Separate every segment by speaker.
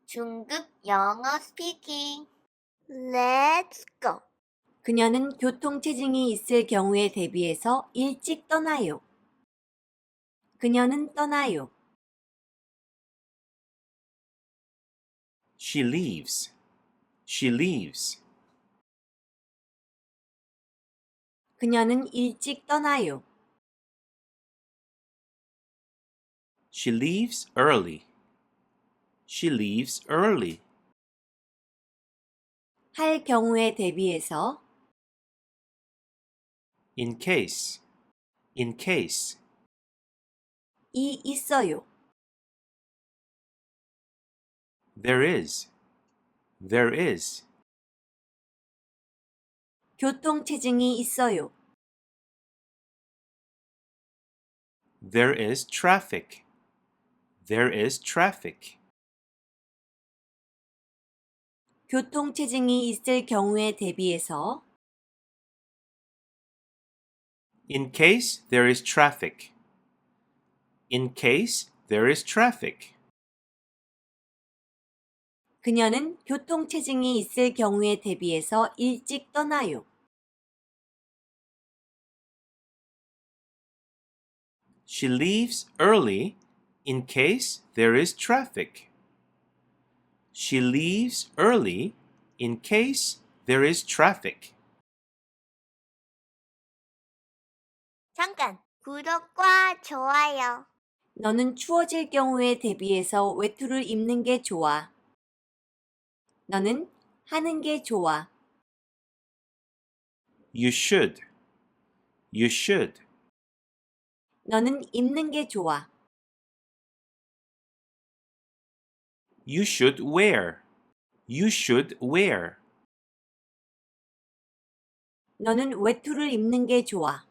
Speaker 1: 중급 영어 스피킹. Let's go.
Speaker 2: 그녀는 교통체증이 있을 경우에 대비해서 일찍 떠나요. 그녀는 떠나요.
Speaker 3: She leaves. She leaves.
Speaker 2: 그녀는 일찍 떠나요.
Speaker 3: She leaves early. She leaves early.
Speaker 2: 할 경우에 대비해서
Speaker 3: In case. In case.
Speaker 2: 이 있어요.
Speaker 3: There is. There is.
Speaker 2: 교통체증이 있어요.
Speaker 3: There is traffic. There is traffic.
Speaker 2: 교통체증이 있을 경우에 대비해서
Speaker 3: In case there is traffic. In case there is traffic.
Speaker 2: 그녀는 교통체증이 있을 경우에 대비해서 일찍 떠나요.
Speaker 3: She leaves early in case there is traffic. She leaves early in case there is traffic.
Speaker 1: 잠깐. 구독과 좋아요.
Speaker 2: 너는 추워질 경우에 대비해서 외투를 입는 게 좋아. 너는 하는 게 좋아.
Speaker 3: You should. You should.
Speaker 2: 너는 입는 게 좋아.
Speaker 3: You should wear. You should wear.
Speaker 2: 너는 외투를 입는 게 좋아.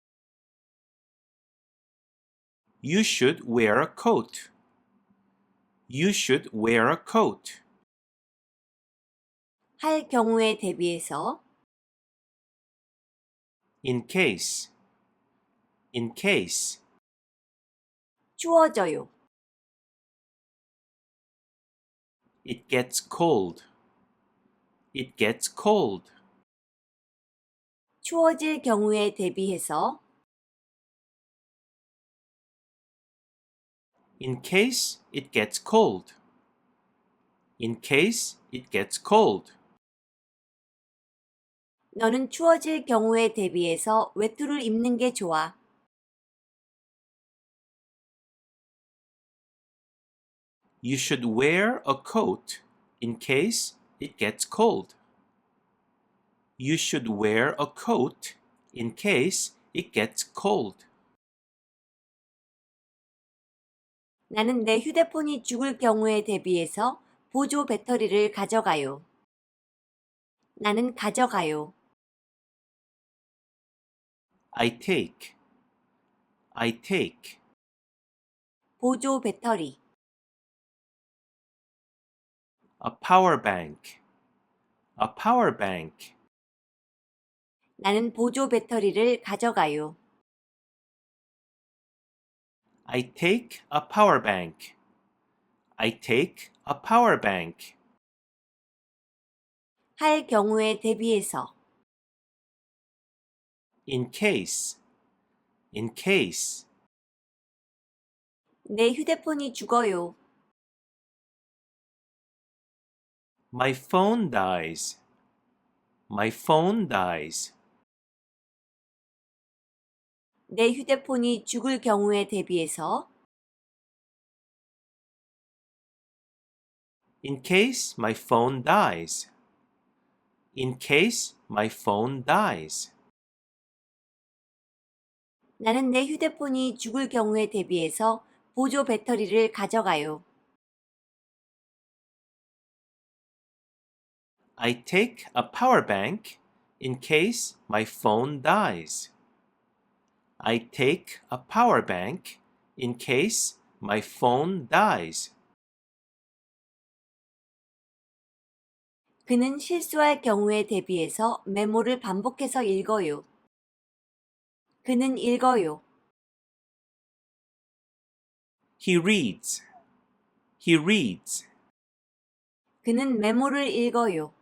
Speaker 3: You should wear a coat. You should wear a coat.
Speaker 2: 할 경우에 대비해서
Speaker 3: In case. In case.
Speaker 2: 추워져요.
Speaker 3: It gets cold. It gets cold.
Speaker 2: 추워질 경우에 대비해서
Speaker 3: In case it gets cold. In case it gets cold.
Speaker 2: 너는 추워질 경우에 대비해서 외투를 입는 게 좋아.
Speaker 3: You should wear a coat in case it gets cold. You should wear a coat in case it gets cold.
Speaker 2: 나는 내 휴대폰이 죽을 경우에 대비해서 보조 배터리를 가져가요. 나는 가져가요.
Speaker 3: I take. I take.
Speaker 2: 보조 배터리.
Speaker 3: A power bank. A power bank.
Speaker 2: 나는 보조 배터리를 가져가요.
Speaker 3: I take a power bank. I take a power bank.
Speaker 2: 할 경우에 대비해서
Speaker 3: In case. In case.
Speaker 2: 내 휴대폰이 죽어요.
Speaker 3: My phone dies. My phone dies.
Speaker 2: 내 휴대폰이 죽을 경우에 대비해서
Speaker 3: In case my phone dies. In case my phone dies.
Speaker 2: 나는 내 휴대폰이 죽을 경우에 대비해서 보조 배터리를 가져가요.
Speaker 3: I take a power bank in case my phone dies. I take a power bank in case my phone dies.
Speaker 2: 그는 실수할 경우에 대비해서 메모를 반복해서 읽어요. 그는 읽어요.
Speaker 3: He reads. He reads.
Speaker 2: 그는 메모를 읽어요.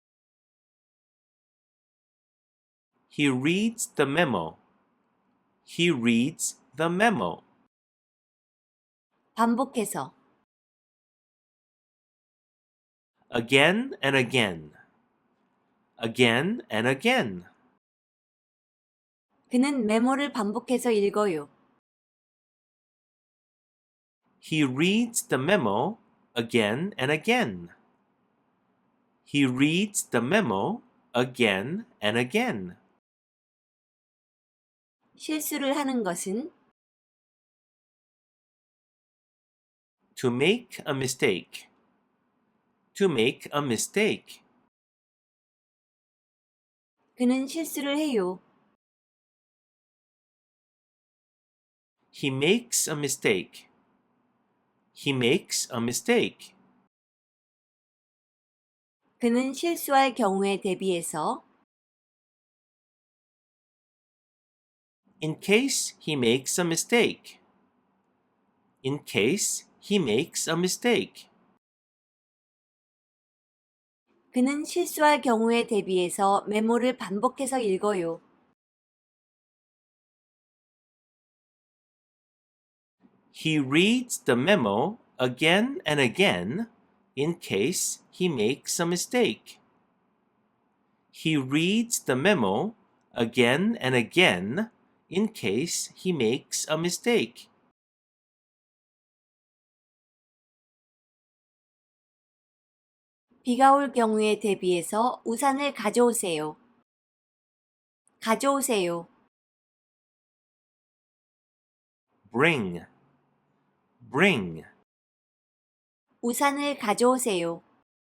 Speaker 3: He reads the memo. He reads the memo.
Speaker 2: 반복해서
Speaker 3: Again and again. Again and again.
Speaker 2: 그는 메모를 반복해서 읽어요.
Speaker 3: He reads the memo again and again. He reads the memo again and again.
Speaker 2: 실수를 하는 것은
Speaker 3: To make a mistake. To make a mistake.
Speaker 2: 그는 실수를 해요.
Speaker 3: He makes a mistake. He makes a mistake.
Speaker 2: 그는 실수할 경우에 대비해서
Speaker 3: In case he makes a mistake. In case he makes a mistake.
Speaker 2: 그는 실수할 경우에 대비해서 메모를 반복해서 읽어요.
Speaker 3: He reads the memo again and again in case he makes a mistake. He reads the memo again and again in case he makes a mistake.
Speaker 2: 비가 올 경우에 대비해서 우산을 가져오세요. 가져오세요.
Speaker 3: Bring. Bring.
Speaker 2: 우산을 가져오세요.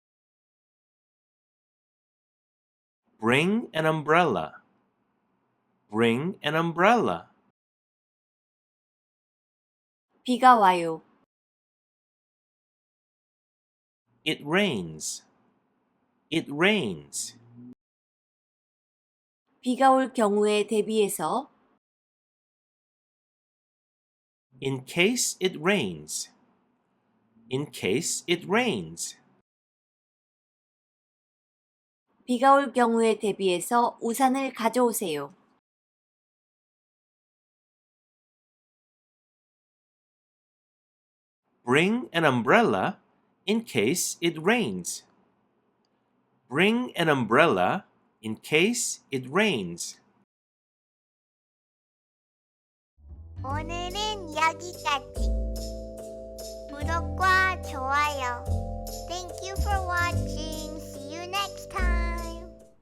Speaker 3: Bring an umbrella. Bring an umbrella.
Speaker 2: 비가 와요.
Speaker 3: It rains. It rains.
Speaker 2: 비가 올 경우에 대비해서
Speaker 3: In case it rains. In case it rains.
Speaker 2: 비가 올 경우에 대비해서 우산을 가져오세요.
Speaker 3: Bring an umbrella in case it rains. Bring an umbrella in case it rains.
Speaker 1: 오늘은 여기까지. 구독과 좋아요. Thank you for watching.